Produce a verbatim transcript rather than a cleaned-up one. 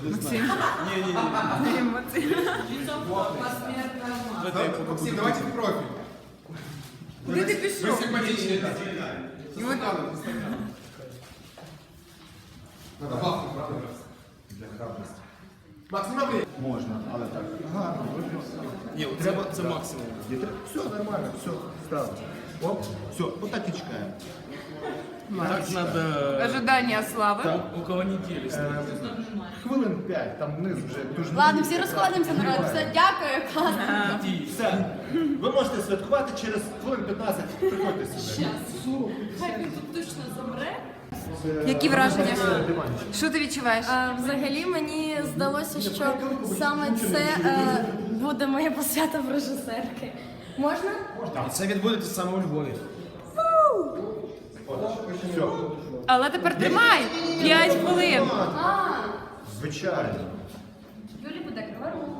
Максим. Не-не-не. Емоції. Максим, давайте в профиль. Куди ти Вы пішов? симпатичный, да. Со Вот. стаканом, со стаканом. Надо бахнуть, правда? Для храбрости. Макс, нема времени. Можна, але так. Гарно, вигляд. Ні, треба, це максимум. Все нормально, все, ставимо. Оп, все, отак і чекаємо. Так надо... Ожидання слави. Там около недели. Е, Хвилин п'ять, там вниз вже дуже... Ладно, всі розходимося, народ. Все, дякую, класно. Все, ви можете святкувати через хвилин п'ятнадцять, приходьте сюди. Хай він тут точно замре. Які враження? Це диванчик. Що ти відчуваєш? А, взагалі мені здалося, що саме це е, буде моя посвята в режисерки. Можна? І це відбудеться саме у Львові. Все, Але тепер тримай! П'ять хвилин. А, звичайно. Юлі буде криворук.